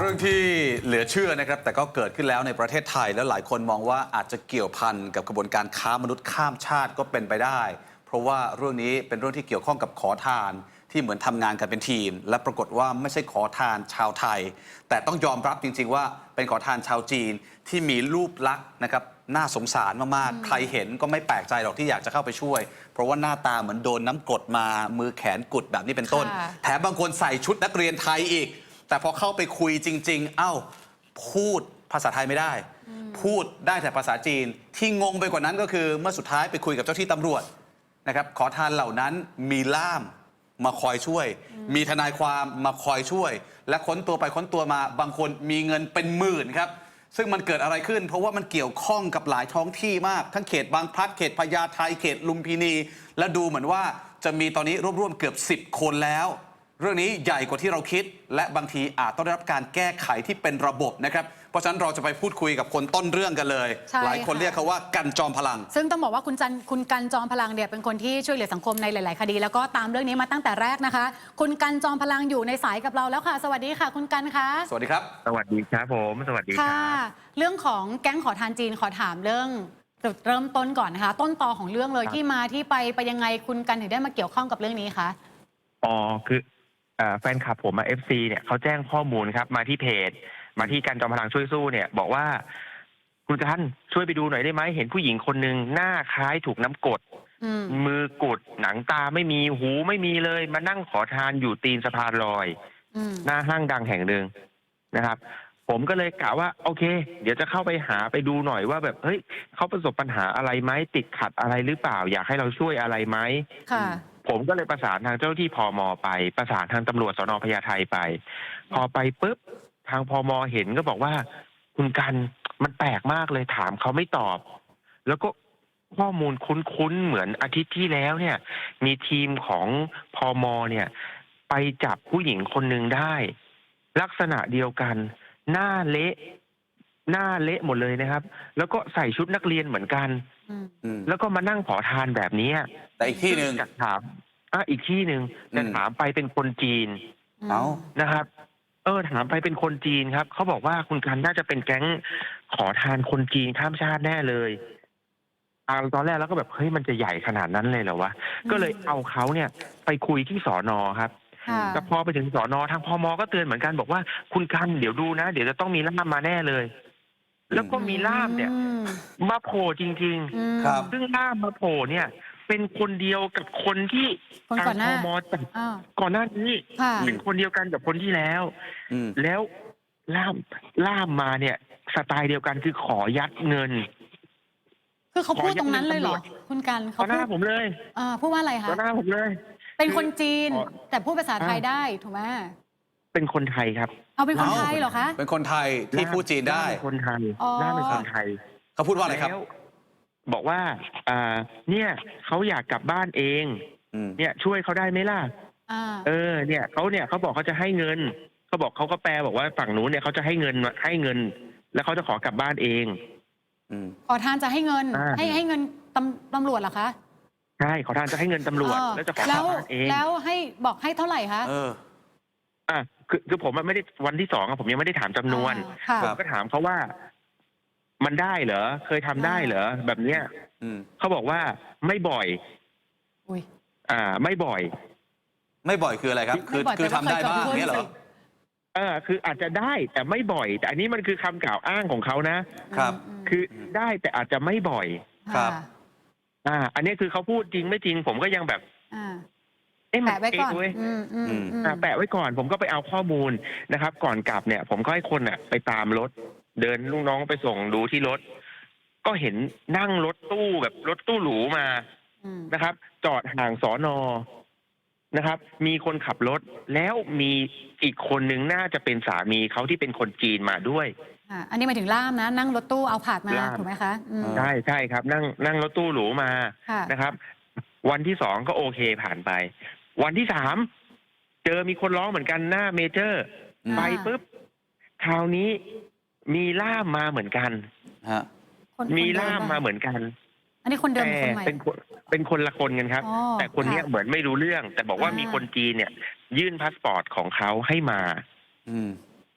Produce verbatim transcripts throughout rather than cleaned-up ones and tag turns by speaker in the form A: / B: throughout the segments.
A: รื่องที่เหลือเชื่อนะครับแต่ก็เกิดขึ้นแล้วในประเทศไทยแล้วหลายคนมองว่าอาจจะเกี่ยวพันกับกระบวนการค้ามนุษย์ข้ามชาติก็เป็นไปได้เพราะว่าเรื่องนี้เป็นเรื่องที่เกี่ยวข้องกับขอทานที่เหมือนทำงานกันเป็นทีมและปรากฏว่าไม่ใช่ขอทานชาวไทยแต่ต้องยอมรับจริงๆว่าเป็นขอทานชาวจีนที่มีรูปลักษณ์นะครับน่าสงสารมากๆใครเห็นก็ไม่แปลกใจหรอกที่อยากจะเข้าไปช่วยเพราะว่าหน้าตาเหมือนโดนน้ำกรดมามือแขนกุดแบบนี้เป็นต้นแถมบางคนใส่ชุดนักเรียนไทยอีกแต่พอเข้าไปคุยจริงๆเอ้าพูดภาษาไทยไม่ได้พูดได้แต่ภาษาจีนที่งงไปกว่านั้นก็คือเมื่อสุดท้ายไปคุยกับเจ้าที่ตำรวจนะครับขอทานเหล่านั้นมีล่ามมาคอยช่วยมีทนายความมาคอยช่วยและค้นตัวไปค้นตัวมาบางคนมีเงินเป็นหมื่นครับซึ่งมันเกิดอะไรขึ้นเพราะว่ามันเกี่ยวข้องกับหลายท้องที่มากทั้งเขตบางพลัดเขตพญาไทเขตลุมพินีและดูเหมือนว่าจะมีตอนนี้ร่วมๆเกือบสิบคนแล้วเรื่องนี้ใหญ่กว่าที่เราคิดและบางทีอาจต้องได้รับการแก้ไขที่เป็นระบบนะครับเพราะฉะนั้นเราจะไปพูดคุยกับคนต้นเรื่องกันเลยหลายคนเรียกเขาว่ากันจอมพลัง
B: ซึ่งต้องบอกว่าคุณจันคุณกันจอมพลังเนี่ยเป็นคนที่ช่วยเหลือสังคมในหลาย ๆ คดีแล้วก็ตามเรื่องนี้มาตั้งแต่แรกนะคะคุณกันจอมพลังอยู่ในสายกับเราแล้วค่ะสวัสดีค่ะคุณกันคะ
A: สวัสดีครับ
C: สวัสดีครับผมสวัสดีครับ
B: เรื่องของแก๊งขอทานจีนขอถามเรื่องจุดเริ่มต้นก่อนนะคะต้นตอของเรื่องเลยที่มาที่ไปไปยังไงคุณกันถึงได้มาเกี่ยวข้องกับเรื่องนี้คะ
C: อ๋อคือแฟนคลับผมมา เอฟ ซี เนี่ยเขาแจ้งข้อมูลครับมาที่เพจมาที่กันจอมพลังช่วยสู้เนี่ยบอกว่าคุณกันช่วยไปดูหน่อยได้ไหมเห็นผู้หญิงคนหนึ่งหน้าคล้ายถูกน้ำกรดมือกดหนังตาไม่มีหูไม่มีเลยมานั่งขอทานอยู่ตีนสะพานลอยหน้าห้างดังแห่งหนึ่งนะครับผมก็เลยกะว่าโอเคเดี๋ยวจะเข้าไปหาไปดูหน่อยว่าแบบเฮ้ยเขาประสบปัญหาอะไรไหมติดขัดอะไรหรือเปล่าอยากให้เราช่วยอะไรไหม
B: ค่ะ
C: ผมก็เลยประสานทางเจ้าหน้าที่พม.ไปประสานทางตำรวจสน.พญาไทไปพอไปปุ๊บทางพม.เห็นก็บอกว่าคุณกันมันแปลกมากเลยถามเขาไม่ตอบแล้วก็ข้อมูลคุ้นๆเหมือนอาทิตย์ที่แล้วเนี่ยมีทีมของพม.เนี่ยไปจับผู้หญิงคนหนึ่งได้ลักษณะเดียวกันหน้าเละหน้าเละหมดเลยนะครับแล้วก็ใส่ชุดนักเรียนเหมือนกันแล้วก็มานั่งขอทานแบบนี้
A: แต่อีกที่หนึ่ง
C: จะถามอ่ะอีกที่หนึ่งจะถามไปเป็นคนจีน
A: เอา
C: นะครับเออถามไปเป็นคนจีนครับเขาบอกว่าคุณกันน่าจะเป็นแก๊งขอทานคนจีนข้ามชาติแน่เลยอ่าตอนแรกแล้วก็แบบเฮ้ยมันจะใหญ่ขนาดนั้นเลยเหรอวะก็เลยเอาเขาเนี่ยไปคุยที่สน.ครับแต่พอไปถึงสน.ทางพม.ก็เตือนเหมือนกันบอกว่าคุณกันเดี๋ยวดูนะเดี๋ยวจะต้องมีล่ามมาแน่เลยแล้วก็มีล่ามเนี่ยมาโผล่จริงๆครับซึ่งล่ามมาโผล่เนี่ยเป็นคนเดียวกับคนที่
B: ทางพม.
C: จับก่อนหน้านี้เป็นคนเดียวกันกับคนที่แล้วแล้วล่ามล่ามมาเนี่ยสไตล์เดียวกันคือขอยัดเงิน
B: คือเขาพูดตรงนั้นเลยเหรอคุณกัน
C: เขาพูดหน้าผมเลย
B: อ่าพูดว่าอะไรคะ
C: หน้าผมเลย
B: เป็นคนจีนแต่พูดภาษาไทยได้ถูกไหม
C: เป็นคนไทยครับ
B: เอาเป็นคนไทยเหรอคะ
A: เป็นคนไทยที่พูดจีนได้
C: คนไทยหน้าเป็นคนไทย
A: เขาพูดว่าอะไรครับ
C: บอกว่าอ่าเนี่ยเขาอยากกลับบ้านเองเนี่ยช่วยเขาได้ไหมล่ะเออเนี่ยเขาเนี่ยเขาบอกเขาจะให้เงินเขาบอกเขาก็แปลบอกว่าฝั่งนู้นเนี่ยเขาจะให้เงินให้เงินแล้วเขาจะขอกลับบ้านเอง
B: ขอทานจะให้เงินให้ให้เงินตำตำรวจเหรอคะ
C: ใช่ขอทานจะให้เงินตำรวจแล้วจะขอกลับบ้านเอง
B: แล้วให้บอกให้เท่าไหร่คะ
A: เออ
C: อ่ะคือคือผมไม่ได้วันที่สองผมยังไม่ได้ถามจำนวนผมก็ถามเขาว่ามันได้เหรอเคยทำได้เหรอแบบเนี้ยเขาบอกว่าไม่บ่อยอ่าไม่บ่อย
A: ไม่บ่อยคืออะไรครับคือคือทำได้บ้างเนี่ยเหรอ
C: เออคืออาจจะได้แต่ไม่บ่อยแต่อันนี้มันคือคำกล่าวอ้างของเขานะครับคือได้แต่อาจจะไม่บ่อย
A: ครับ
C: อ่าอันนี้คือเขาพูดจริงไม่จริงผมก็ยังแบบ
B: แปะไว้ก่อน
C: แปะไว้ก่อนผมก็ไปเอาข้อมูลนะครับก่อนกลับเนี่ยผมก็ให้คนอ่ะไปตามรถเดินลูกน้องไปส่งดูที่รถก็เห็นนั่งรถตู้แบบรถตู้หรูมานะครับจอดห่างสน.นะครับมีคนขับรถแล้วมีอีกคนนึงน่าจะเป็นสามีเขาที่เป็นคนจีนมาด้วย
B: อันนี้หมายถึงล่ามนะนั่งรถตู้เอาผาดมาถูกไหมคะ
C: ใช่ใช่ครับนั่งนั่งรถตู้หรูมานะครับวันที่สองก็โอเคผ่านไปวันที่สามเจอมีคนร้องเหมือนกันหน้าเมเจอร์ไปปุ๊บคราวนี้มีล่ามมาเหมือนกัน
A: ฮะ
C: มีล่ามมาเหมือนกัน
B: อันนี้คนเดิมคนใหม่
C: เป็นคนเป็นคนละคนกันครับแต่คนนี้เหมือนไม่รู้เรื่องแต่บอกว่ามีคนจีนเนี่ยยื่นพาสปอร์ตของเขาให้มา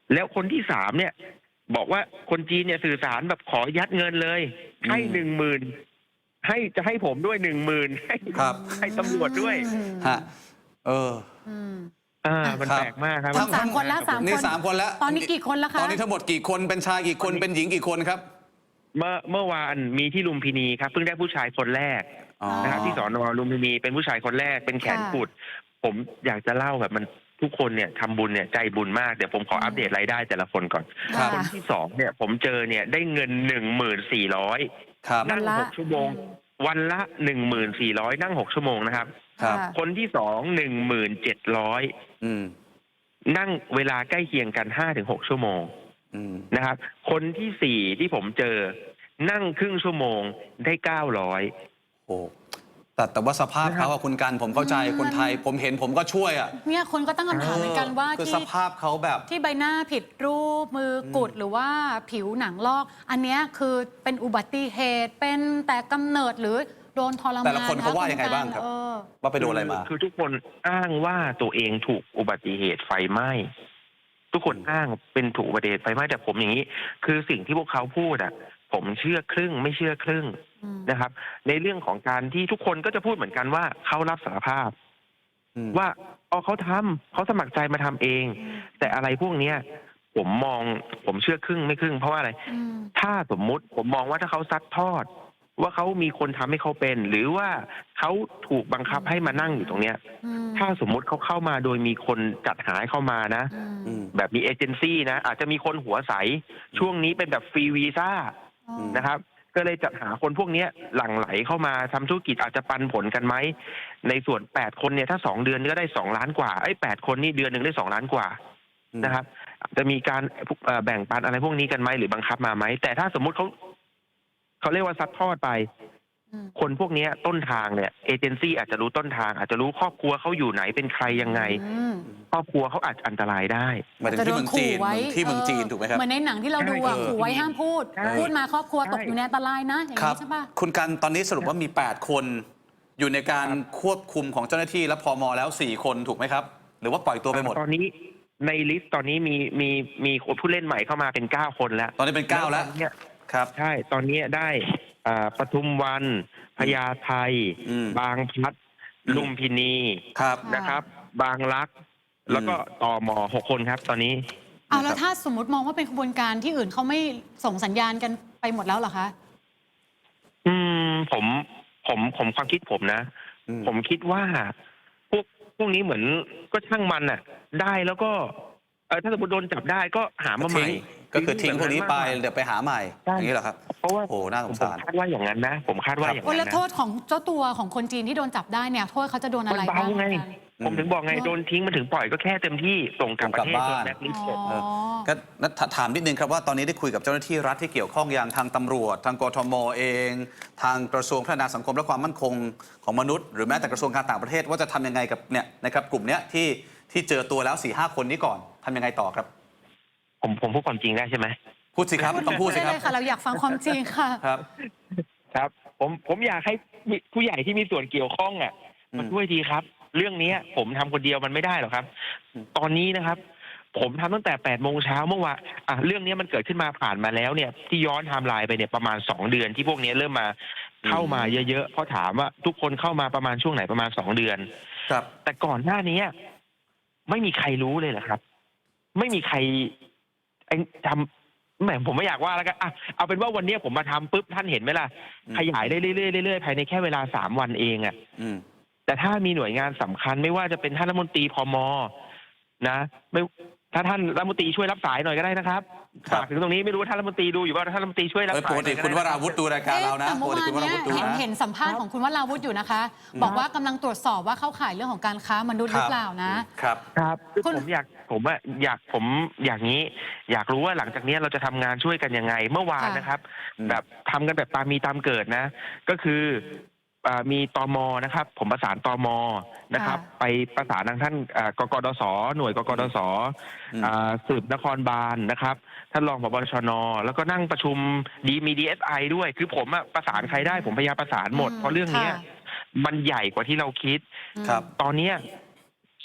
C: แล้วคนที่สามเนี่ย บอกว่าคนจีนเนี่ยสื่อสารแบบขอยัดเงินเลย ให้หนึ่งหมื่นให้จะให้ผมด้วยหนึ่งหมื่นให้
A: ครับ
C: ให้ตำรวจด้วย
A: ฮะเออ
B: อืม
C: อ่ามัน
A: ครับ
C: แปลกมากครับ
B: ทั้งสามคนแล้วสาม
A: นี่สามคนแล้ว
B: ตอนนี้กี่คนแล้วคะ
A: ตอนนี้ทั้งหมดกี่คนเป็นชายกี่คนเป็นหญิงกี่คนครับ
C: เมื่อเมื่อวานมีที่ลุมพินีครับเพิ่งได้ผู้ชายคนแรก
A: อ๋อ
C: นะครับที่สอนอลุมพินีเป็นผู้ชายคนแรกเป็นแขนกุด ผมอยากจะเล่าแบบมันทุกคนเนี่ยทำบุญเนี่ยใจบุญมากเดี๋ยวผมขออัปเดตรายได้แต่ละคนก่อน
A: ครับ
C: คนที่สองเนี่ยผมเจอเนี่ยได้เงินหนึ่งหมื่นสี่ร้อย
A: ครับ
C: นั่ง
B: วันละ
C: หกชั่วโมง วันละหนึ่งหมื่นสี่ร้อยนั่งหกชั่วโมงนะครับ
A: ครับ
B: ค่ะ
C: คนที่สองหนึ่งหมื่นเจ็ดร้อย
A: อืม
C: นั่งเวลาใกล้เคียงกันห้าถึงหกชั่วโมง
A: อืม
C: นะครับ คนที่สี่ที่ผมเจอ นั่งครึ่งชั่วโมงได้เก้าร้อย
A: โอ้แต่แต่ว่าสภาพเขาอะคุณกันผมเข้าใจคนไทย ผมเห็นผมก็ช่วยอะ
B: เนี่ยคนก็ตั้งคำถามเหมือนกันว่า
A: คือ
B: ที่
A: สภาพเขาแบบ
B: ที่ใบหน้าผิดรูปมือกุดหรือว่าผิวหนังลอก อันเนี้ยคือเป็นอุบัติเหตุเป็นแต่กำเนิดหรือโดนทรมาน
A: แต่ละคนเขาว่ายังไงบ้างครับ
B: เออ
A: ว่าไปโดนอะไรมา
C: คือทุกคนอ้างว่าตัวเองถูกอุบัติเหตุไฟไหม้ทุกคนอ้างเป็นถูกอุบัติเหตุไฟไหม้แต่ผมอย่างนี้ คือสิ่งที่พวกเขาพูดอ่ะ ผมเชื่อครึ่งไม่เชื่อครึ่ง
B: อืม
C: นะครับ ในเรื่องของการที่ทุกคนก็จะพูดเหมือนกันว่าเขารับสารภาพ
A: อืม
C: ว่าอ๋อเขาทำเขาสมัครใจมาทำเอง แต่อะไรพวกเนี้ย ผมมองผมเชื่อครึ่งไม่ครึ่งเพราะว่าอะไร
B: อืม
C: ถ้าสมมุติผมมองว่าถ้าเขาซัดทอด ว่าเขามีคนทำให้เขาเป็น หรือว่าเขาถูกบังคับให้มานั่งอยู่ตรงเนี้ย
B: อืม
C: ถ้าสมมุติเขาเข้ามาโดยมีคนจัดหาให้เข้ามานะ
B: อืม
A: อืม
C: แบบมีเอเจนซี่นะ อาจจะมีคนหัวใส ช่วงนี้เป็นแบบฟรีวีซ่า
B: อ๋อ
C: นะครับ ก็เลยจัดหาคนพวกเนี้ยหลั่งไหลเข้ามาทำธุรกิจอาจจะปันผลกันไหม ในส่วนแปดคนเนี่ยถ้าสองเดือนก็ได้สองล้านกว่าไอ้แปดคนนี่เดือนหนึ่งได้สองล้านกว่า
A: อืม
C: นะครับ จะมีการเอ่อแบ่งปันอะไรพวกนี้กันไหมหรือบังคับมาไหมแต่ถ้าสมมุติเขาเขาเรียกว่าซัดทอดไป
B: อืม
C: คนพวกเนี้ยต้นทางเนี่ยเอเจนซี่อาจจะรู้ต้นทาง อาจจะรู้ครอบครัวเขาอยู่ไหนเป็นใครยังไง
B: อืม
C: ครอบครัวเขาอาจจะอันตรายได้
A: หมายถึงที่เมืองจีน
B: ไว้
A: ที่เมืองจีนถูกไหมครับ
B: เหมือนในหนังที่เราดูอะ
C: ใช่
B: ขู่ไว้ห้ามพูด
C: ใช่
B: พูดมาครอบครัว
C: ใช่
B: ตกอยู่ในอันตรายนะ อย่าง
A: ครับ
B: นี้ใช่ปะ
A: คุณกันตอนนี้สรุปว่ามี แปด คนอยู่ในการควบคุมของเจ้าหน้าที่และพมแล้ว สี่ คนถูกไหมครับ หรือว่าปล่อยตัวไปหมด
C: ตอนนี้ในลิสต์ตอนนี้มีมีมีผู้เล่นใหม่เข้ามาเป็นเก้าคนแล้ว
A: ตอนนี้เป็น เก้า แล้ว
C: ตอนเนี้ย
A: ครับ
C: ใช่ตอนนี้ได้อ่าปทุมวันพญาไท
A: อืม
C: บางพลัดลุมพินี
A: ครับ
C: นะครับ บางรัก แล้วก็ตมหกคนครับ ตอนนี้
B: เอาแล้วถ้าสมมติมองว่าเป็นขบวนการที่อื่นเขาไม่ส่งสัญญาณกันไปหมดแล้วเหรอคะ
C: อืมผมผมผมความคิดผมนะ
A: อืม
C: ผมคิดว่า พวกพวกนี้เหมือนก็ช่างมันน่ะ ได้แล้วก็เออถ้าสมมติโดนจับได้ก็หามาใหม่
A: ทิ้งก็คือทิ้งพวกนี้ไป
C: แบบ
A: เดี๋ยวไปหาใหม่
C: ใช่
A: อย่างนี้เหรอครับ
C: เพราะว่า
A: โอ้น่าสง
C: ผม
A: สาร
C: คาดว่าอย่างนั้นนะ ผมคาดว่าอย่าง
B: โอ้
C: นั้น
B: แล้ว
C: นะ
B: โทษของเจ้าตัวของคนจีนที่โดนจับได้เนี่ย โทษเขาจะโดนอะไร
C: มันเบา
B: บ้าง
C: ไง
B: กัน
C: ผมถึงบอกไง
B: อืม
C: โดนทิ้งมันถึงปล่อยก็แค่เต็มที่ส่งกลับประเทศ
A: ส่งกลับ
C: โด
A: บ้าน
C: นแบล็คลิสต์
B: อ๋อ
A: เออ ก็นัทถามนิดนึงครับว่าตอนนี้ได้คุยกับเจ้าหน้าที่รัฐที่เกี่ยวข้องอย่างทางตำรวจ ทางกทมเอง ทางกระทรวงพัฒนาสังคมและความมั่นคงของมนุษย์ หรือแม้แต่กระทรวงการต่างประเทศว่าจะทำยังไงกับเนี่ยนะครับกลุ่มเนี้ยที่ที่เจอตัวแล้ว สี่ห้า คนนี้ก่อนทำยังไงต่อครับ
C: ผมผมพูดความจริงได้ใช่ไหม
A: พูดสิครับต้องพูดสิครับ
B: ได้เลยค่ะ เราอยากฟังความจริงค่ะ
A: ครับ
C: ครับ ผมผมอยากให้มีผู้ใหญ่ที่มีส่วนเกี่ยวข้องอ่ะ
A: อืม
C: มาช่วยทีครับ เรื่องนี้ผมทำคนเดียวมันไม่ได้หรอกครับ
A: อืม
C: ตอนนี้นะครับ ผมทำตั้งแต่แปดโมงเช้าเมื่อวานอ่ะเรื่องนี้มันเกิดขึ้นมาผ่านมาแล้วเนี่ย ที่ย้อนไทม์ไลน์ไปเนี่ยประมาณสองเดือนที่พวกนี้เริ่มมาเข้ามาเยอะๆเพราะถามว่าทุกคนเข้ามาประมาณช่วงไหนประมาณสองเดือน
A: ครับ
C: แต่ก่อนหน้านี้ไม่มีใครรู้เลยเหรอครับ ไม่มีใครไอ้ทำแหมผมไม่อยากว่าแล้วกันอ่ะเอาเป็นว่าวันนี้ผมมาทำปุ๊บท่านเห็นไหมล่ะ
A: อืม
C: ขยายได้เรื่อยๆเรื่อยๆภายในแค่เวลาสามวันเองอะ่ะ
A: อืม
C: แต่ถ้ามีหน่วยงานสำคัญไม่ว่าจะเป็นท่านรัฐมนตรีพมนะไม่ถ้าท่านรัฐมนตรีช่วยรับสายหน่อยก็ได้นะครับ
A: ครับ
C: ฝากถึงตรงนี้ไม่รู้ว่าท่านรัฐมนตรีดูอยู่ว่าท่านรัฐมนตรีช่วยรับ
A: เอ้ย
C: สา
A: ป
C: ย
A: กติ
C: หน่อย
A: คุณว
C: ได้นะ
A: ราวุธดูรายการเรานะ
B: แต่
A: ป
B: เมื่
A: ก
B: อ
A: ติ
B: วาน
A: คุณวรา
B: เนี้
A: วุธดู
B: เห็น
A: นะ
B: เห็นสัมภาษณ์ของคุณวราวุธอยู่นะคะ บอกว่ากำลังตรวจสอบว่าเข้าข่ายเรื่องของการค้ามนุษย์หรือเปล่านะ
A: ครับ
C: ครับคือ
B: คุณ
C: ผมอยากผมอะอยากผมอย่างนี้ อยากรู้ว่าหลังจากนี้เราจะทำงานช่วยกันยังไง เมื่อวาน
B: ค่ะ
C: นะครับ
A: อืม
C: แบบทำกันแบบตามมีตามเกิดนะ ก็คืออ่ามีตมนะครับ ผมประสานตมนะครับ ไปประสานทางท่านอ่ากกดสหน่วยกกดส
A: อืม
C: อ่าสืบนครบาลนะครับ ท่านรองผบชนแล้วก็นั่งประชุมดีมีดีเอสไอด้วย คือผมอะประสานใครได้ผมพยายามประสานหมด
B: อืม
C: เพราะเรื่องเนี้ย
B: ค่ะ
C: มันใหญ่กว่าที่เราคิด
A: ครับ
C: ตอนเนี้ย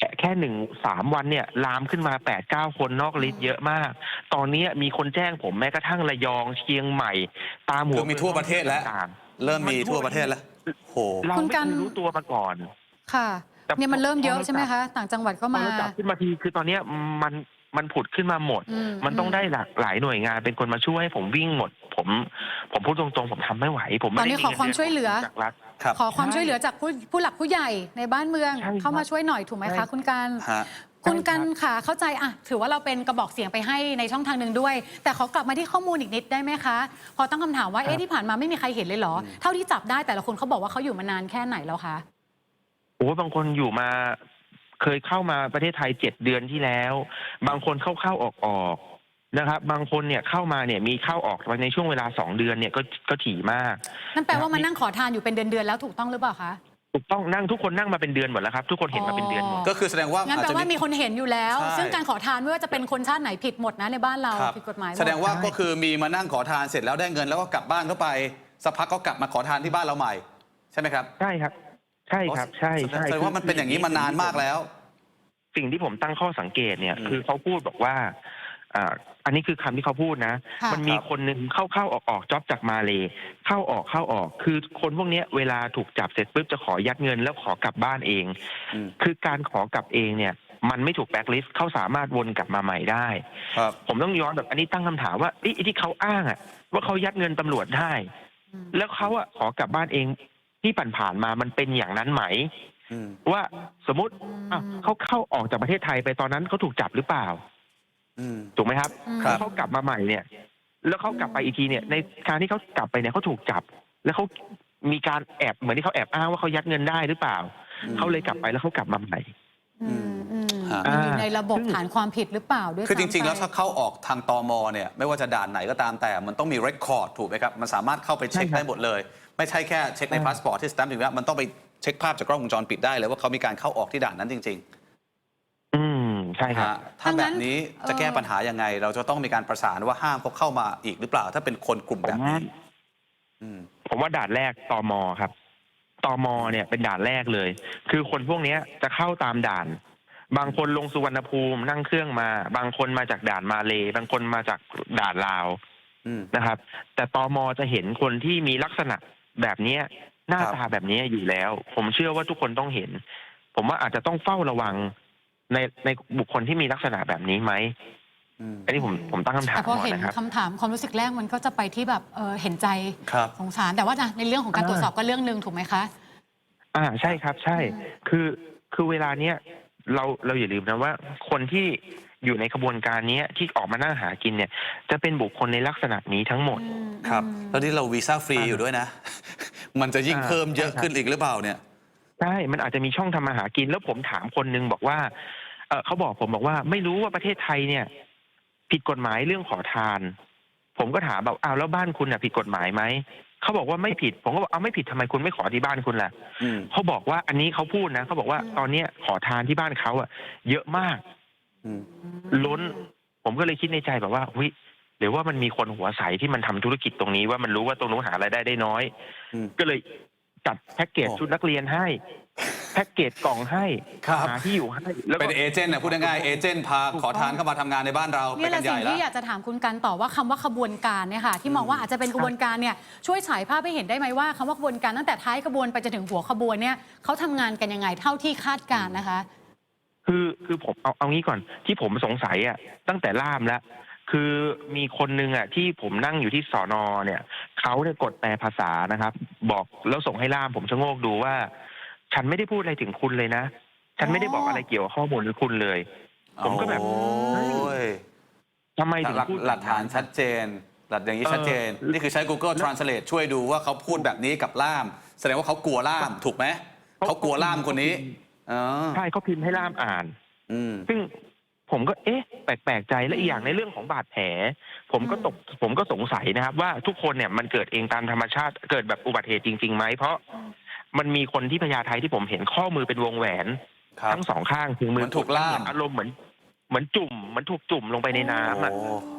C: แค่แค่หนึ่งสามวันเนี่ยลามขึ้นมาแปดเก้าคนนอกลิสต์เยอะมาก ตอนนี้มีคนแจ้งผมแม้กระทั่งระยองเชียงใหม่ ตามหั
A: คื
C: ว
A: อมีทั่วประเทศแล้ว
C: ต่าง
A: เริ่มมีทั่วประเทศแล้วโห
C: ๆเรา
B: คุณ
C: ไม่
B: กัน
C: เคยรู้ตัวมาก่อน
B: ค่ะ
C: แต่
B: เนี่ยมันเริ่มเยอะ
C: พอเรา
B: ใช่ไหมคะ ต่างจังหวัดก็
C: พอ
B: มา
C: เราจับขึ้นมาทีคือตอนเนี้ยมันมันผุดขึ้นมาหมด
B: อืม
C: มันต้อง
B: อืม
C: ได้หลากหลายหน่วยงานเป็นคนมาช่วยให้ผมวิ่งหมด ผมผมพูดตรงๆผมทำไม่ไหว ผมไม่
B: ตอนนี้
C: ได้
B: ขอความช่วยเหลือ
C: จากรัฐ
A: ครับ
B: ขอความ
C: ใช่
B: ช่วยเหลือจากผู้ผู้หลักผู้ใหญ่ในบ้านเมือง
C: ใช่ครับ
B: เข้ามาช่วยหน่อยถูกไหม
C: ใช่
B: คะคุณกัน
A: ฮะ
B: คุณกัน
C: ใช่ครับ
B: ค่ะเข้าใจอ่ะถือว่าเราเป็นกระบอกเสียงไปให้ในช่องทางหนึ่งด้วย แต่ขอกลับมาที่ข้อมูลอีกนิดได้ไหมคะ พอตั้งคำถามว่าเอ๊ะที่ผ่านมาไม่มีใครเห็นเลยเหรอ เท่าที่จับได้แต่ละคนเขาบอกว่าเขาอยู่มานานแค่ไหนแล้วคะ
C: โอ้บางคนอยู่มาเคยเข้ามาประเทศไทยเจ็ดเดือนที่แล้ว บางคนเข้าเข้าออกออกนะครับ บางคนเนี่ยเข้ามาเนี่ยมีเข้าออกในช่วงเวลาสองเดือนเนี่ยก็ก็ถี่มาก
B: นั่นแปลว่ามานั่งขอทานอยู่เป็นเดือนๆแล้วถูกต้องหรือเปล่าคะ
C: ถูกต้องนั่งทุกคนนั่งมาเป็นเดือนหมดแล้วครับ ทุกคนเห็นมาเป็นเดือนหมด
A: ก็คือแสดงว่า
B: งั้น
A: อาจ
B: แปล
A: จะ
B: ว่ามีคนเห็นอยู่แล้ว
A: ใช่
B: ซึ่งการขอทานไม่ว่าจะเป็นคนชาติไหนผิดหมดนะในบ้านเรา
A: ครับ
B: ผิดกฎหมายหม
A: แสดงว่า
C: ใช่
A: ก็คือมีมานั่งขอทานเสร็จแล้วได้เงินแล้วก็กลับบ้านเข้าไปสักพักก็กลับมาขอทานที่บ้านเราใหม่ใช่ไหมครับ
C: ใช่ครับ ใช่ครับ ใช่ใช่
A: แสดงว่ามันเป็นอย่างนี้มานานมากแล้ว
C: สิ่งที่ผมตั้งข้อสังเกตเนี่ย
A: อืม
C: คือเขาพูดบอกว่าอ่า อันนี้คือคำที่เขาพูดนะ
B: ค่ะ
C: มันมีคนหนึ่งเข้าเข้าออกออกจ็อบจากมาเลยเข้าออกเข้าออก คือคนพวกเนี้ยเวลาถูกจับเสร็จปุ๊บจะขอยัดเงินแล้วขอกลับบ้านเอง
A: อืม
C: คือการขอกลับเองเนี่ย มันไม่ถูกแบล็คลิสต์เขาสามารถวนกลับมาใหม่ได้
A: ครับ
C: ผมต้องย้อนแบบอันนี้ตั้งคำถามว่าไอ้ที่เขาอ้างอะว่าเขายัดเงินตำรวจได้
B: อืม
C: แล้วเขาอะขอกลับบ้านเองที่ผ่านๆมามันเป็นอย่างนั้นไหม
A: อืม
C: ว่าสมมติอ่ะเขาเข้าออกจากประเทศไทยไปตอนนั้นเขาถูกจับหรือเปล่า
A: อืม
C: ถูกไหมครับ
B: อืม
A: ครับ
C: แล้วเขากลับมาใหม่เนี่ย แล้วเขากลับไปอีกทีเนี่ย ในการที่เขากลับไปเนี่ยเขาถูกจับ แล้วเขามีการแอบเหมือนที่เขาแอบอ้างว่าเขายัดเงินได้หรือเปล่า
A: อืม
C: เขาเลยกลับไปแล้วเขากลับมาใหม่
B: อืมอืม
A: ฮะ
B: มันอยู่ในระบบ
C: ซึ่ง
B: ฐานความผิดหรือเปล่าด้วย
A: คือจริง ๆ
B: ซ้ำไป
A: แล้วถ้าเข้าออกทางตมเนี่ยไม่ว่าจะด่านไหนก็ตามแต่มันต้องมีเรคคอร์ดถูกไหมครับมันสามารถเข้าไปเช็ค
C: ใช่ครับ
A: ได้หมดเลย ไม่ใช่แค่เช็คใน
C: ใช่
A: พาสปอร์ตที่สแตมป์ถึงแล้วมันต้องไปเช็คภาพจากกล้องวงจรปิดได้เลยว่าเขามีการเข้าออกที่ด่านนั้นจริง
C: อืมใช่
A: ๆ
C: ครับ
A: ฮะถ้าแบบนี้จะแก้ปัญหายังไง เราจะต้องมีการประสานว่าห้ามเขาเข้ามาอีกหรือเปล่า ถ้าเป็นคนกลุ่มแบบนี้อืม
C: ผมว่าด่านแรกตมครับตมเนี่ยเป็นด่านแรกเลย คือคนพวกเนี้ยจะเข้าตามด่าน บางคนลงสุวรรณภูมินั่งเครื่องมา บางคนมาจากด่านมาเลบางคนมาจากด่านลาว
A: อืม
C: นะครับ แต่ตมจะเห็นคนที่มีลักษณะแบบเนี้ยหน้า
A: ครับ
C: ตาแบบนี้อยู่แล้ว ผมเชื่อว่าทุกคนต้องเห็น ผมว่าอาจจะต้องเฝ้าระวังในในบุคคลที่มีลักษณะแบบนี้ไหม
A: อืม
C: อันนี้ผมผมตั้งคำถาม
B: แต่พอ
C: ก่อน
B: เห็น
C: นะครับ
B: คำถามความรู้สึกแรกมันก็จะไปที่แบบเออเห็นใจ
A: ครับ
B: สงสารแต่ว่านะในเรื่องของการ
C: อ่า
B: ตรวจสอบก็เรื่องหนึ่งถูกไหมคะ
C: อ่าใช่ครับ ใช่
B: อืม
C: คือคือเวลาเนี้ยเราเราอย่าลืมนะว่า คนที่อยู่ในขบวนการเนี้ยที่ออกมานั่งหากินเนี่ย จะเป็นบุคคลในลักษณะนี้ทั้งหมด
B: อืม
A: ครับ
B: อืม
A: แล้วนี่เราวีซ่าฟรี
C: อ่า
A: อยู่ด้วยนะ มันจะยิ่ง
C: อ่า
A: เพิ่มเยอะ
C: ใช่ครับ
A: ขึ้นอีกหรือเปล่าเนี่ย
C: ใช่ มันอาจจะมีช่องทำมาหากิน แล้วผมถามคนนึงบอกว่า เออเขาบอกผมบอกว่าไม่รู้ว่าประเทศไทยเนี่ย ผิดกฎหมายเรื่องขอทาน ผมก็ถามแบบอ้าวแล้วบ้านคุณน่ะผิดกฎหมายไหม เขาบอกว่าไม่ผิด ผมก็บอกเอาไม่ผิดทำไมคุณไม่ขอที่บ้านคุณล่ะ
A: อืม
C: เขาบอกว่าอันนี้เขาพูดนะเขาบอกว่า
B: อืม
C: ตอนเนี้ยขอทานที่บ้านเขาอะเยอะมาก
A: อืม
C: ล้น ผมก็เลยคิดในใจแบบว่าวิหรือว่ามันมีคนหัวใสที่มันทำธุรกิจตรงนี้ว่ามันรู้ว่าตรงนู้นหารายได้ได้น้อย
A: อืม
C: ก็เลยจัดแพ็กเกจ
A: โอ้
C: ชุดนักเรียนให้ แพ็กเกจกล่องให้
A: ครับ
C: หาที่อยู่ให้แล้วก็
A: เป็นเอเจนต์นะพูดง่ายๆเอเจนต์พาขอทานเข้ามาทำงานในบ้านเราไป
B: นี่แห
A: กั
B: ละ
A: นให
B: สิ่
A: ญ่
B: ง
A: แล้ว
B: ที่อยากจะถามคุณกันต่อว่าคำว่าขบวนการเนี่ยค่ะที่มองว่าอาจจะเป็นขบวนการเนี่ยช่วยฉายภาพให้เห็นได้ไหมว่าคำว่าขบวนการตั้งแต่ท้ายขบวนไปจนถึงหัวขบวนเนี่ยเขาทำงานกันยังไงเท่าที่คาดการณ์นะคะ
C: คือคือผมเอาเอางี้ก่อนที่ผมสงสัยอ่ะตั้งแต่ล่ามแล้ว คือมีคนนึงอ่ะที่ผมนั่งอยู่ที่สอนอเนี่ยเขาเนี่ยกดแปลภาษานะครับ บอกแล้วส่งให้ล่ามผมชะโงกดูว่า ฉันไม่ได้พูดอะไรถึงคุณเลยนะ ฉันไม่ได้บอกอะไรเกี่ยวกับข้อมูลหรือคุณเลย ผมก็แบบ
A: โอ้ย
C: ทำไมถึง
A: หลัก
C: พูด
A: หลักฐานชัดเจน หลักอย่างนี้ชัดเจน
C: เออ
A: นี่คือใช้ Google Translate ช่วยดูว่าเขาพูดแบบนี้กับล่าม แสดงว่าเขากลัวล่าม ถูกไหม เขากลัวล่ามคนนี้อ๋อ
C: ใช่เขาพิมพ์ให้ล่ามอ่าน
A: อืม
C: ซึ่งผมก็เอ๊ะ แปลกๆใจและอีกอย่างในเรื่องของบาดแผล ผมก็ตกผมก็สงสัยนะครับ ว่าทุกคนเนี่ยมันเกิดเองตามธรรมชาติเกิดแบบอุบัติเหตุจริงๆไหมเพราะมันมีคนที่พญาไทที่ผมเห็นข้อมือเป็นวงแหวน
A: ครับ
C: ทั้งสองข้างถึงมื
A: เหมือนถูกล่าม
C: เหอนอารมณ์เหมือนเหมือนจุ่มเหมือนถูกจุ่มลงไปในน้ำอ่ะ
A: โอ้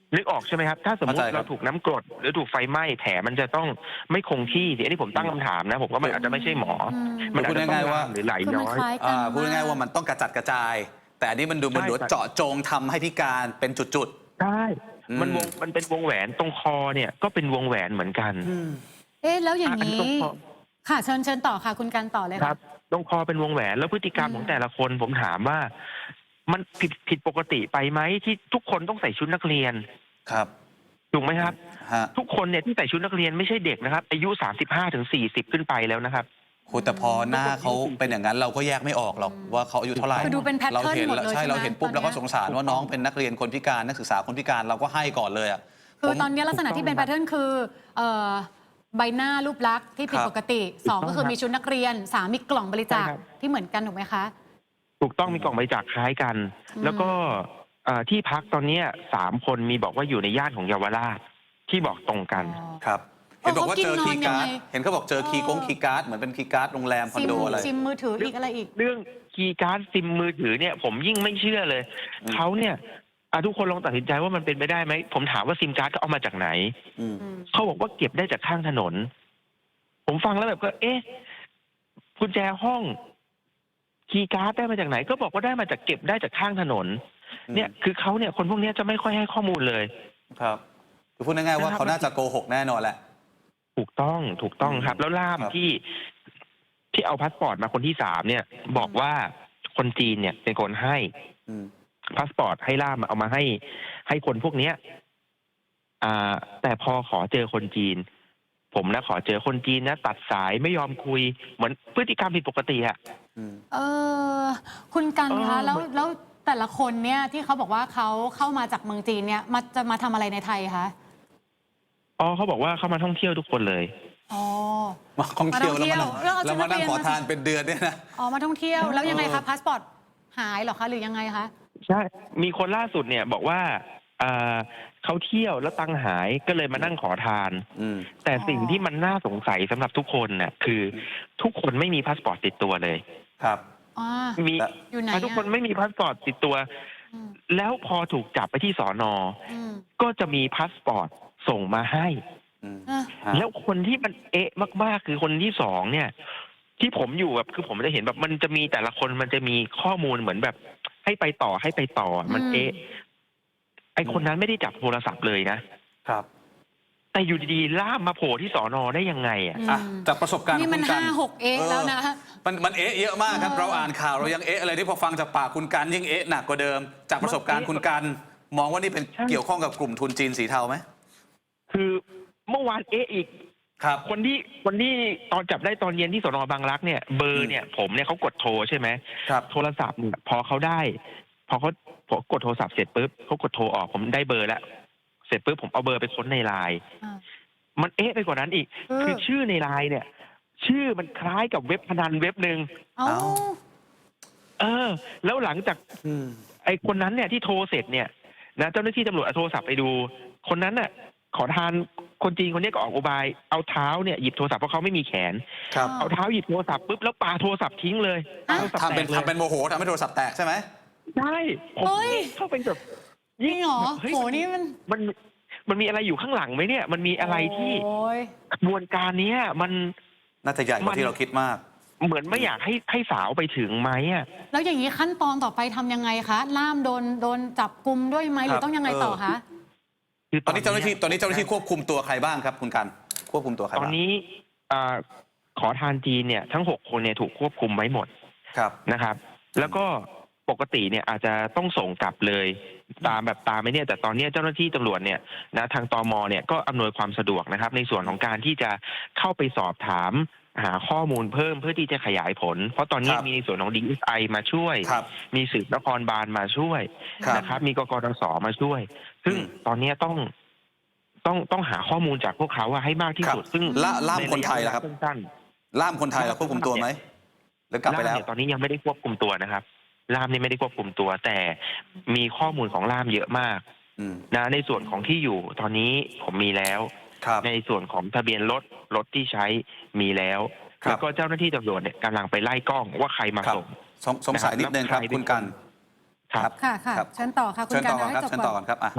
C: นึกออกใช่ไหมครับถ้าสมมติ
A: เข้าใจครับ
C: เราถูกน้ำกรดหรือถูกไฟไหม้แผลมันจะต้องไม่คงที่อันนี้ผมตั้งคำถามนะผมว่ามันอาจจะไม่ใช่หมอ
B: อืม
C: มันอาจจะต้อง
A: พูดง่ายๆว่า
C: ลามหรือไหล
B: คือ
C: ย้
B: มัน
C: อย
B: คล้ายกัน
A: อ่าพูดง่ายๆ
B: ม
A: ว่ามันต้องกระจัดกระจาย แต่อันนี้มันดูมัน
C: ใช่
A: ดู
C: ครับ
A: เจาะจงทำให้พิการเป็นจุด
C: ใช่
A: อืม
C: มันวงมันเป็นวงแหวนตรงคอเนี่ยก็เป็นวงแหวนเหมือนกัน
A: ๆ
B: เอ๊ะแล้วอย่าง
C: อันนี้
B: นี้
C: ตรงคอ
B: ค่ะเชิญเชิญต่อค่ะคุณกันต่อเลย
C: ค
B: ค่ะ
C: รับตรงคอเป็นวงแหวนแล้วพฤติกรรม
B: อืม
C: ของแต่ละคนผมถามว่า มันผิดผิดปกติไปไหมที่ทุกคนต้องใส่ชุดนักเรียน
A: ครับ
C: ถูกไหมครับ
A: ฮะ
C: ทุกคนเนี่ยที่ใส่ชุดนักเรียนไม่ใช่เด็กนะครับ อายุ สามสิบห้าถึงสี่สิบ ขึ้นไปแล้วนะครับ
A: โหแต่พอหน้าเขาเป็นอย่างนั้นเราก็แยกไม่ออกหรอกว่าเขาอายุเท่าไหร่
B: คือดูเป็น pattern
A: เราเห็น
B: หมดเลย
A: ใช่
B: ใช่ไหม
A: เราเห็นปุ๊บ
B: ตอนเนี้ย
A: เราก็สงสารว่าน้องเป็นนักเรียนคนพิการนักศึกษาคนพิการเราก็ให้ก่อนเลยอ่ะ
B: คือ
A: ผม
B: ตอนนี้ลักษณะที่เป็นแพทเทิร์นคือเอ่อใบหน้ารูปลักษณ์ที่ผิด
A: ครับ
B: ปกติสอง
C: ถูกต้อง
B: ก็คือมีชุดนักเรียนสามมีกล่องบริจาค
C: ใช่ครับ
B: ที่เหมือนกันถูกไหมคะ
C: ถูกต้องมีกล่องบริจาคคล้ายกัน
B: อืม
C: แล้วก็เอ่อที่พักตอนเนี้ยสามคนมีบอกว่าอยู่ในย่านของเยาวราชที่บอกตรงกัน
A: ครับเห็นบอกว่าเจอ
B: เขากิ
A: คี
B: น
A: ย์
B: นอน
A: การ์ด
B: ยังไง
A: เห็นเขาบอกเจอคีย์กง
B: เออ
A: คีย์การ์ดเหมือนเป็นคีย์การ์ดโรงแรมคอน
B: ซิม
A: โดอะไร
B: ซิมมือถืออีกอะไรอีก
C: เรื่องคีย์การ์ดซิมมือถือเนี่ย ผมยิ่งไม่เชื่อเลย
A: อืม
C: เขาเนี่ยอ่ะทุกคนลองตัดสินใจว่ามันเป็นไปได้ไหมผมถามว่าซิมการ์ดเขาเอามาจากไหน
A: อืม
B: อืม
C: เขาบอกว่าเก็บได้จากข้างถนน ผมฟังแล้วแบบก็ เอ๊ะกุญแจห้อง คีย์การ์ดได้มาจากไหน ก็บอกว่าได้มาจากเก็บได้จากข้างถนน
A: อืม
C: เนี่ยคือเขาเนี่ยคนพวกเนี้ยจะไม่ค่อยให้ข้อมูลเลย
A: ครับคือพูดง่ายๆว่า
C: นะครับ
A: เขาน่าจะโกหกแน่นอนแหละ
C: ถูกต้องถูกต้องครับ แล้วล่าม
A: ครับ
C: ที่ที่เอาพาสปอร์ตมาคนที่สามเนี่ย บอกว่าคนจีนเนี่ยเป็นคนให้
A: อืม
C: พาสปอร์ตให้ล่ามเอามาให้ ให้คนพวกเนี้ย อ่า แต่พอขอเจอคนจีน ผมนะขอเจอคนจีนนะตัดสายไม่ยอมคุยเหมือนพฤติกรรมผิดปกติอะ
A: อืม
B: เออคุณกัน
C: เออ
B: คะแล้ว
C: มัน
B: แล้วแต่ละคนเนี่ยที่เขาบอกว่าเขาเข้ามาจากเมืองจีนเนี่ยมาจะมาทำอะไรในไทยคะ
C: อ๋อเขาบอกว่าเข้ามาท่องเที่ยวทุกคนเลย
B: อ๋อ
A: มาท่องเที่ยว
B: มาท่องเที่ยว
A: แล้วมา
B: แล้วเอาชุ
A: แล้
B: ด
A: วมานั่ง
B: นักเรียน
A: ขอ
B: มา
A: ทานเป็นเดือนเนี่ยนะ
B: อ๋อมาท่องเที่ยวแล้วยังไง
A: เอ
B: คะ
A: อ
B: พาสปอร์ตหายเหรอคะหรือยังไงคะ
C: ใช่ มีคนล่าสุดเนี่ยบอกว่าอ่าเขาเที่ยวแล้วตังค์หายก็เลยมานั่งขอทาน
A: อืม
C: แต่
B: อ๋อ
C: สิ่งที่มันน่าสงสัยสำหรับทุกคนน่ะคือทุกคนไม่มีพาสปอร์ตติดตัวเลย
A: ครับ
B: อ๋อ
C: มี
A: แต่
B: อยู่ไหน
C: อ่ะทุกคน
B: อะ
C: ไม่มีพาสปอร์ตติดตัว
B: อืม
C: แล้วพอถูกจับไปที่สอนอ
B: อืม
C: ก็จะมีพาสปอร์ตส่งมาให้
A: อืม
B: อ่ะ
A: ฮะ
C: แล้วคนที่มันเอ๊ะมากๆ คือคนที่สองเนี่ย ที่ผมอยู่แบบคือผมจะเห็นแบบมันจะมีแต่ละคนมันจะมีข้อมูลเหมือนแบบ ให้ไปต่อให้ไปต่อมันเอ๊ะไอคนนั้นไม่ได้จับโทรศัพท์เลยนะ
A: ครับ
C: แต่อยู่ดีๆล่ามมาโผล่ที่สอนอได้ยังไงอ่ะ
A: อ่ะจากประสบการณ์
B: นี่มัน
A: ของคุณกั
B: ห้าหกเอ๊ะแล้วนะ
A: มันมันเอ๊ะเยอะมากครับ
B: เออ
A: เราอ่านข่าวเรายังเอ๊ะอะไรที่พอฟังจากปากคุณกันยิ่งเอ๊ะหนักกว่าเดิม จากประสบการณ์คุณกันมองว่านี่เป็น
C: ใช่
A: เกี่ยวข้องกับกลุ่มทุนจีนสีเทาไหม
C: คือเมื่อวานเอ๊ะอีก
A: ครับ
C: คนที่คนที่ตอนจับได้ตอนเย็นที่สนบางรักเนี่ยเบอร์เนี่ยผมเนี่ยเขากดโทรใช่ไหม
A: ครับ
C: โทรศัพท์เนี่ยพอเขาได้ พอเขาพอกดโทรศัพท์เสร็จปุ๊บเขากดโทรออกผมได้เบอร์แล้วเสร็จปุ๊บผมเอาเบอร์ไปค้นในไลน์
B: อ่า
C: มันเอ๊ะไปกว่านั้นอีก
B: เออ
C: คือชื่อในไลน์เนี่ย ชื่อมันคล้ายกับเว็บพนันเว็บหนึ่ง
B: เอ้า
A: เอ้า
C: เออ แล้วหลังจาก
A: อืม
C: ไอ้คนนั้นเนี่ยที่โทรเสร็จเนี่ยนะเจ้าหน้าที่ตำรวจเอาโทรศัพท์ไปดู คนนั้นน่ะ ขอทานคนจีนคนนี้ก็ออกอุบายเอาเท้าเนี่ยหยิบโทรศัพท์เพราะเขาไม่มีแขน
A: ครับ
C: เอาเท้าหยิบโทรศัพท์ปุ๊บแล้วปาโทรศัพท์ทิ้งเลย
B: อ่ะ
C: โทรศัพท์
A: ทำเป็น
C: แตกเลย
A: ทำเป็นโมโหทำให้โทรศัพท์แตกใช่ไหม
C: ใช่ผม
B: เฮ้ย
C: เข้าไปแบบ
B: จริงเหรอ
C: แบบฮ้ย
B: โหนี่มัน
C: มันมันมีอะไรอยู่ข้างหลังไหมเนี่ย มันมีอะไรที่
B: โอ้ย
C: กระบวนการเนี้ยมัน
A: น่าจะใหญ่ก
C: มั
A: ว่าน ที่เราคิดมาก
C: เหมือนไม่อยากให้ให้สาวไปถึงไหมอ่ะ
B: แล้วอย่างนี้ขั้นตอนต่อไปทำยังไงคะล่ามโดนโดนจับกลุมด้วยไหมหรือต้องยังไงต่อคะ
C: คือ
A: ตอนนี้เจ้าหน้าที่ตอนนี้เจ้าหน้าที่ควบคุมตัวใครบ้างครับ คุณกันควบคุมตัวใคร
C: ตอน
A: บ้าง
C: นี้อ่าขอทานจีนเนี่ยทั้งหกคนเนี่ยถูกควบคุมไว้หมด
A: ครับ
C: นะครับ แล้วก็ปกติเนี่ยอาจจะต้องส่งกลับเลย ตามแบบตามไม่เนี่ยแต่ตอนเนี้ยเจ้าหน้าที่ตำรวจเนี่ยนะทางตมเนี่ยก็อำนวยความสะดวกนะครับ ในส่วนของการที่จะเข้าไปสอบถามหาข้อมูลเพิ่มเพื่อที่จะขยายผล เพราะตอนนี้
A: ครับ
C: มีในส่วนของ ดี เอส ไอ มาช่วย
A: ครับ
C: มีสืบนครบาลมาช่วย
A: ครับ
C: นะครับ มีกกตสมาช่วย ซึ่ง
A: อืม
C: ตอนเนี้ยต้องต้องต้องหาข้อมูลจากพวกเขาว่าให้มากที่สุด
A: ครับ
C: ซึ่ง
A: ล่าล่าม
C: ใ
A: คนไทยล่ะครับ
C: สั้นๆ
A: ล่ามคนไทยเราควบคุมตัวไหมหรือกลับไป
C: ล่าม
A: แล้ว
C: เนี่ยตอนนี้ยังไม่ได้ควบคุมตัวนะครับล่ามนี่ไม่ได้ควบคุมตัว แต่มีข้อมูลของล่ามเยอะมาก
A: อืม
C: นะในส่วนของที่อยู่ตอนนี้ผมมีแล้ว
A: ครับ
C: ในส่วนของทะเบียนรถรถที่ใช้มีแล้ว
A: ครับ
C: แล้วก็เจ้าหน้าที่ตำรวจเนี่ยกำลังไปไล่กล้องว่าใครมา
A: ครับ
C: ส่ง
A: สงสงสัยนิดนึงครับ
C: แล้วใครเป็น
A: คุณกัน
C: ครับ
B: ค่ะค่ะ
A: ครับ
B: เชิญต่อค่ะคุ
A: เชิ
B: ณ
A: ญ
B: กั
A: ต่
B: น
A: อก่อนครับ
B: ให้จบ
A: เชิญต่อก่อนครับอ่ะ
C: ครับ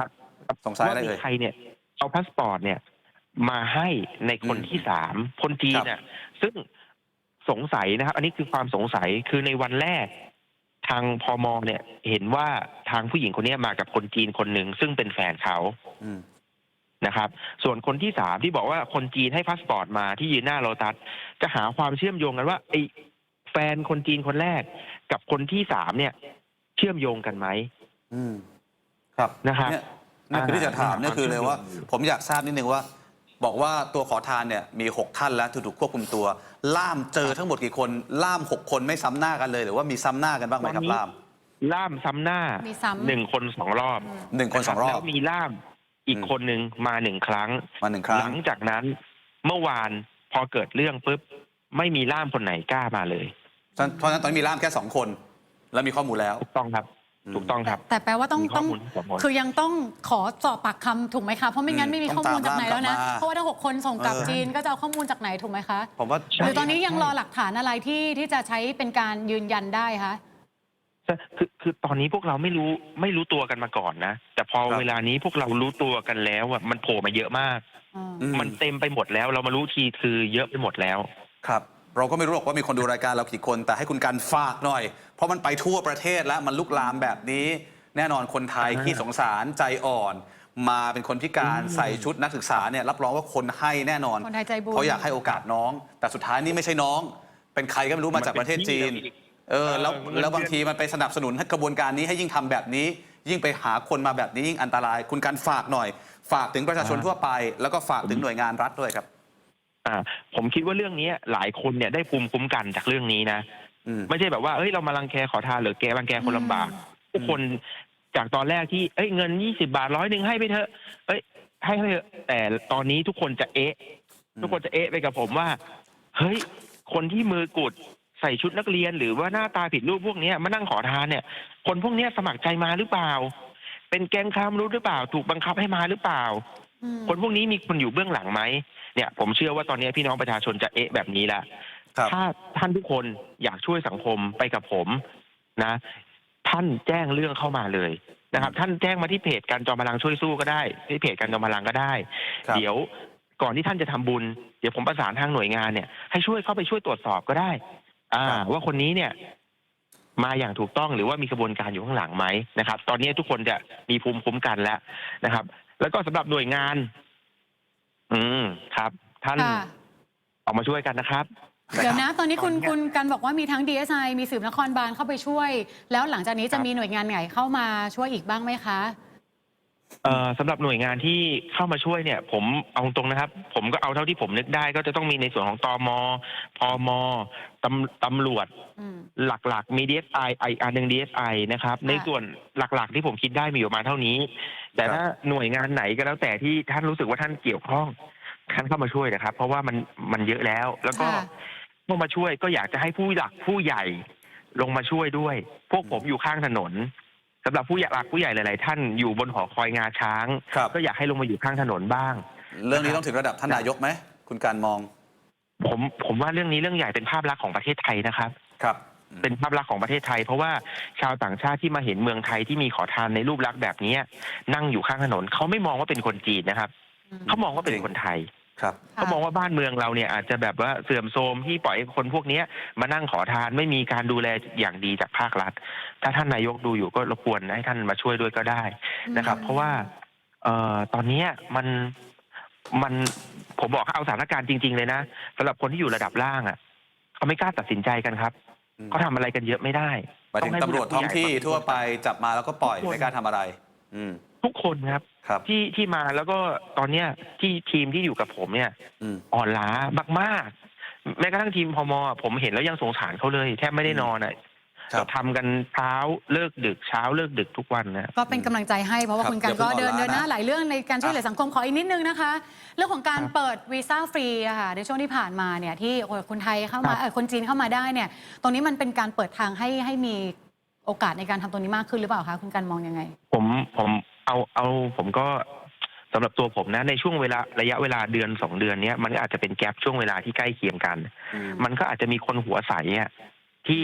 A: สงสัยอะไร
C: ว่ามี
A: เอ่ย
C: ใครเนี่ยเอาพาสปอร์ตเนี่ยมาให้ในคน
A: อืม
C: ที่สามคนจีน
A: ครับ
C: น่ะซึ่งสงสัยนะครับ อันนี้คือความสงสัยคือในวันแรก ทางพมเนี่ยเห็นว่าทางผู้หญิงคนนี้มากับคนจีนคนหนึ่งซึ่งเป็นแฟนเขา
A: อืม
C: นะครับ ส่วนคนที่สามที่บอกว่าคนจีนให้พาสปอร์ตมาที่ยืนหน้าโลตัสจะหาความเชื่อมโยงกันว่าไอ้แฟนคนจีนคนแรกกับคนที่สามเนี่ย เชื่อมโยงกันไหม
A: อืมครับ
C: นะครับ
A: เนี่ยนี่คือที่จะถามเนี่ยคือเลยว่า ผมอยากทราบนิดนึงว่า บอกว่าตัวขอทานเนี่ยมีหกท่านแล้วที่ถูกควบคุมตัว ล่ามเจอทั้งหมดกี่คน ล่ามหกคนไม่ซ้ำหน้ากันเลย หรือว่ามีซ้ำหน้ากันบ้างไหมครับล่าม
C: ล่ามซ้ำหน้า
B: มีซ้ำ
C: หนึ่งคนสองรอบ
A: หนึ่งคนสองรอบ
C: แล้วมีล่ามอีก
A: อืม
C: คนหนึ่งมาหนึ่งครั้ง
A: มาหนึ่งครั้ง
C: หลังจากนั้นเมื่อวานพอเกิดเรื่องปุ๊บไม่มีล่ามคนไหนกล้ามาเลย
A: เพราะฉะนั้นตอนนี้มีล่ามแค่สองคน แล้วมีข้อมูลแล้ว
C: ถูกต้องครับ
A: อืม
C: ถูกต้องครับ
B: แต่แปลว่าต้อง
C: มีข้
B: ต้
C: อ
B: อง
C: มูลสองคน
B: คือยังต้องขอสอบปากคำถูกไหมคะ เพราะไม่งั้นไม่มี
A: อืม
B: ข้อมูลจากไหนแล้วนะ
A: ต้องตามล่ามกลับมา
B: เพราะว่าถ้าหกคนส่งกลับ
A: เออ
B: จีนก็จะเอาข้อมูลจากไหนถูกไหมคะ
A: ผมว่า
C: ใช่
B: หรือตอนนี้ยังรอหลักฐานอะไรที่ที่จะใช้เป็นการยืนยันได้คะ
C: คือคือตอนนี้พวกเราไม่รู้ไม่รู้ตัวกันมาก่อนนะ แต่พอ
A: ครับ
C: เวลานี้พวกเรารู้ตัวกันแล้วอะมันโผล่มาเยอะมาก
B: อืม
A: อื
C: มันเต็มไปหมดแล้ว เรามารู้ทีคือเยอะไปหมดแล้ว
A: ครับ เราก็ไม่รู้หรอกว่ามีคนดูรายการเรากี่คน แต่ให้คุณการฝากหน่อย เพราะมันไปทั่วประเทศแล้วมันลุกลามแบบนี้ แน่นอนคนไทย
C: อ่า
A: ขี้สงสารใจอ่อน มาเป็นคนพิการ
C: อืม
A: ใส่ชุดนักศึกษาเนี่ยรับรองว่าคนให้แน่นอน
B: คนไทยใจบุญ
A: เขาอยากให้โอกาสน้อง แต่สุดท้ายนี่ไม่ใช่น้อง เป็นใครก็ไม่รู้มาจากประเทศจีน เออแล้ว
C: เออมัน
A: แล้วบางทีมันไปสนับสนุนให้กระบวนการนี้ให้ยิ่งทำแบบนี้ ยิ่งไปหาคนมาแบบนี้ยิ่งอันตราย คุณการฝากหน่อย ฝากถึงประชาชนทั่วไป แล้วก็ฝากถึงหน่วยงานรัฐด้วยครับ
C: อ่าผมคิดว่าเรื่องนี้หลายคนเนี่ยได้ภูมิคุ้มกันจากเรื่องนี้นะ
A: อืม
C: ไม่ใช่แบบว่าเฮ้ยเรามารังแกขอทานหรือแกรังแกคนลำบาก
B: อืม
C: ทุกคนจากตอนแรกที่เอ้ยเงินยี่สิบาทร้อยหนึ่งให้ไปเถอะเอ้ยให้ไปเถอะแต่ตอนนี้ทุกคนจะเอ๊ะ
A: อืม
C: ทุกคนจะเอ๊ะไปกับผมว่าเฮ้ยคนที่มือกุดใส่ชุดนักเรียนหรือว่าหน้าตาผิดรูปพวกเนี้ยมานั่งขอทานเนี่ย คนพวกเนี้ยสมัครใจมาหรือเปล่า เป็นแก๊งค้ามนุษย์หรือเปล่า ถูกบังคับให้มาหรือเปล่า
B: อืม
C: คนพวกนี้มีคนอยู่เบื้องหลังไหมเนี่ยผมเชื่อว่าตอนนี้พี่น้องประชาชนจะเอ๊ะแบบนี้ละ
A: ครับ
C: ถ้าท่านทุกคนอยากช่วยสังคมไปกับผมนะ ท่านแจ้งเรื่องเข้ามาเลยนะครับ ท่านแจ้งมาที่เพจการจอมพลังช่วยสู้ก็ได้ที่เพจการจอมพลังก็ได้
A: ครับ
C: เดี๋ยวก่อนที่ท่านจะทำบุญเดี๋ยวผมประสานทางหน่วยงานเนี่ยให้ช่วยเข้าไปช่วยตรวจสอบก็ได้ อ่า ว่าคนนี้เนี่ย มาอย่างถูกต้องหรือว่ามีกระบวนการอยู่ข้างหลังไหมนะครับ ตอนนี้ทุกคนจะมีภูมิคุ้มกันแล้วนะครับ แล้วก็สำหรับหน่วยงาน อืมครับ ท่าน
B: ค่ะ
C: ออกมาช่วยกันนะครับ
B: เดี๋ยวนะ ตอนนี้คุณ
C: ตอนเนี้ย
B: คุณกันบอกว่ามีทั้ง ดี เอส ไอ มีสืบนครบาลเข้าไปช่วย แล้วหลังจากนี้จะมีหน่วยงานไหนเข้ามาช่วยอีกบ้างไหมคะ
C: เอ่อสำหรับหน่วยงานที่เข้ามาช่วยเนี่ย ผมเอาตรงนะครับ ผมก็เอาเท่าที่ผมนึกได้ ก็จะต้องมีในส่วนของตมพมตำตำรวจ
B: อืม
C: หลักๆ มี ดี เอส ไอ ไออันหนึ่ง ดี เอส ไอ นะครับ ในส่วนหลักๆ ที่ผมคิดได้มีอยู่ประมาณเท่านี้ แต่ถ้าหน่วยงานไหนก็แล้วแต่ที่ท่านรู้สึกว่าท่านเกี่ยวข้องท่านเข้ามาช่วยนะครับ เพราะว่ามันมันเยอะแล้ว แล้วก็
B: ค่ะ
C: เข้ามาช่วยก็อยากจะให้ผู้หลักผู้ใหญ่ลงมาช่วยด้วย พวกผมอยู่ข้างถนนสำหรับผู้ใหญ่หลักผู้ใหญ่หลายๆท่านอยู่บนหอคอยงาช้าง
A: ครับ
C: ก็อยากให้ลงมาอยู่ข้างถนนบ้าง
A: เรื่องนี้ต้องถึงระดับท่านนายกไหมคุณการมอง
C: ผมผมว่าเรื่องนี้เรื่องใหญ่เป็นภาพลักษณ์ของประเทศไทยนะครับ
A: ครับ
C: เป็นภาพลักษณ์ของประเทศไทย เพราะว่าชาวต่างชาติที่มาเห็นเมืองไทยที่มีขอทานในรูปลักษณ์แบบนี้นั่งอยู่ข้างถนนเขาไม่มองว่าเป็นคนจีนนะครับ
B: อืม
C: เขามองว่าเป็นคนไทย
A: ครับ
C: เขามองว่าบ้านเมืองเราเนี่ยอาจจะแบบว่าเสื่อมโทรมที่ปล่อยให้คนพวกเนี้ยมานั่งขอทานไม่มีการดูแลอย่างดีจากภาครัฐ ถ้าท่านนายกดูอยู่ก็รบกวนให้ท่านมาช่วยด้วยก็ได้นะครับ เพราะว่า เอ่อตอนเนี้ยมันมันผมบอกเอาสถานการณ์จริง ๆ เลยนะสำหรับคนที่อยู่ระดับล่างอ่ะเขาไม่กล้าตัดสินใจกันครับ
A: อืม
C: เขาทำอะไรกันเยอะไม่ได้
A: หมายถึง
C: ให้
A: ตำรวจท้องที่
C: ผู้ใหญ่
A: ทั่วไปจับมาแล้วก็ปล่อย
C: ทุกคน
A: ไม่กล้าทำอะไร อืม
C: ทุกคนครับ
A: ครับ
C: ที่ที่มาแล้วก็ตอนเนี้ยที่ทีมที่อยู่กับผมเนี่ย
A: อืม
C: อ่อนล้ามากๆ แม้กระทั่งทีมพมผมเห็นแล้วยังสงสารเขาเลยแทบไม่ได้นอนอ่ะ
A: ครับ
C: ทำกันเช้าเลิกดึกเช้าเลิกดึกทุกวันนะ
B: ก็เป็นกำลังใจให้เพราะว่า
A: ครับ
B: คุณกัน
A: อย่าเพิ่
B: ก็
A: ง
B: เดิน
A: อ่อนล้า
B: เดินหน้า
A: นะ
B: หลายเรื่องในการช่วยเหลือสังคมขออีกนิดนึงนะคะ เรื่องของการ
C: ครับ
B: เปิดวีซ่าฟรีอะค่ะในช่วงที่ผ่านมาเนี่ยที่คนไทยเข้ามา
C: ครับ
B: เออคนจีนเข้ามาได้เนี่ยตรงนี้มันเป็นการเปิดทางให้ให้มีโอกาสในการทำตรงนี้มากขึ้นหรือเปล่าคะคุณกันมองยังไง
C: ผมผมเอาเอาผมก็สำหรับตัวผมนะในช่วงเวลาระยะเวลาเดือนสองเดือนเนี้ยมันก็อาจจะเป็นแกลบช่วงเวลาที่ใกล้เคียงกัน
A: อืม
C: มันก็อาจจะมีคนหัวใสอ่ะที่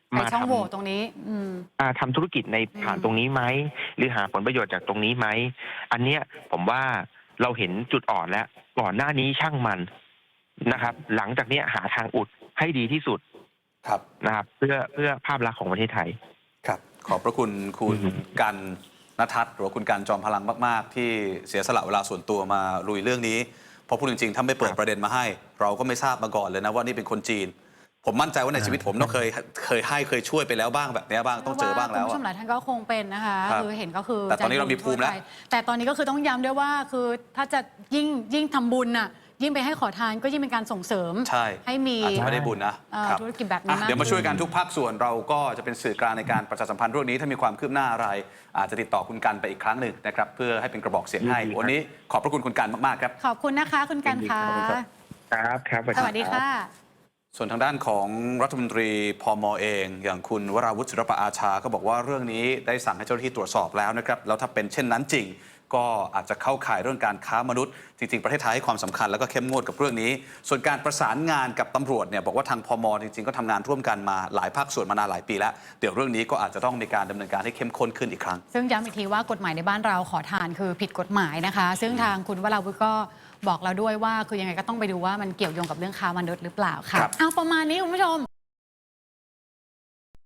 B: ใช้
C: มา
B: ช่อง
C: ทำ
B: โหว่ตรงนี้ อืม
C: อ่าทำธุรกิจในผ่าน
B: อืม
C: ตรงนี้ไหมหรือหาผลประโยชน์จากตรงนี้ไหมอันเนี้ยผมว่าเราเห็นจุดอ่อนแล้วก่อนหน้านี้ช่างมันนะครับ หลังจากเนี้ยหาทางอุดให้ดีที่สุด
A: ครับ
C: นะครับ เพื่อเพื่อภาพลักษณ์ของประเทศไทย
A: ครับ ขอบพระคุณคุณ
C: อืม
A: กันณทัศน์หรือว่าคุณกันจอมพลังมากๆ ที่เสียสละเวลาส่วนตัวมาลุยเรื่องนี้เพราะพูดจริงๆถ้าไม่เปิดประเด็นมาให้ เราก็ไม่ทราบมาก่อนเลยนะว่านี่เป็นคนจีน ผมมั่นใจว่าในชีวิตผมต้องเคยเคยให้เคยช่วยไปแล้วบ้างแบบนี้บ้างต้องเจอบ้างแล้ว
B: คุณผู้ช
A: อะ
B: มหลายท่านก็คงเป็นนะคะ
A: ครับ
B: คือเห็นก็คือ
A: แต่ตอนนี้เรามีภูมิแล้ว
B: ใจบุญทั่วไปแต่ตอนนี้ก็คือต้องย้ำด้วยว่าคือถ้าจะยิ่งยิ่งทำบุญน่ะยิ่งไปให้ขอทานก็ยิ่งเป็นการส่งเสริม
A: ใช่
B: ให้มี
A: อาจจะไม่ได้บุญนะ
B: เอ่อ
A: ครับ
B: ธุรกิจแบบนี้
A: อ่ะ
B: มาก
A: เดี๋ยวมาช่วยกันทุกภาคส่วนเราก็จะเป็นสื่อกลางในการประชาสัมพันธ์เรื่องนี้ถ้ามีความคืบหน้าอะไร อาจจะติดต่อคุณกันไปอีกครั้งหนึ่งนะครับเพื่อให้เป็นกระบอกเสียงให้
C: ยินดีครับ
A: วันนี้ขอบพระคุณคุณกันมากๆครับ
B: ขอบคุณนะคะคุณกันคะ
A: ขอบคุณครับ
C: ครับครับ
B: สวัสดีค่ะ
A: ส่วนทางด้านของรัฐมนตรีพมเอง อย่างคุณวราวุฒิศิลปอาชาก็บอกว่าเรื่องนี้ได้สั่งให้เจ้าหน้าที่ตรวจสอบแล้วนะครับแล้วถ้าเป็นเช่นนั้นจริง ก็อาจจะเข้าข่ายเรื่องการค้ามนุษย์ จริงๆ ประเทศไทยให้ความสำคัญแล้วก็เข้มงวดกับเรื่องนี้ ส่วนการประสานงานกับตำรวจเนี่ยบอกว่าทางพมจริงๆก็ทำงานร่วมกันมาหลายภาคส่วนมานานหลายปีแล้วเดี๋ยวเรื่องนี้ก็อาจจะต้องมีการดำเนินการให้เข้มข้นขึ้นอีกครั้ง
B: ซึ่งย้ำอีกทีว่ากฎหมายในบ้านเราขอทานคือผิดกฎหมายนะคะ ซึ่งทางคุณวราวุฒิก็บอกเราด้วยว่าคือยังไงก็ต้องไปดูว่ามันเกี่ยวโยงกับเรื่องค้ามนุษย์หรือเปล่าค่ะ
A: ครับ
B: เอาประมาณนี้คุณผู้ชม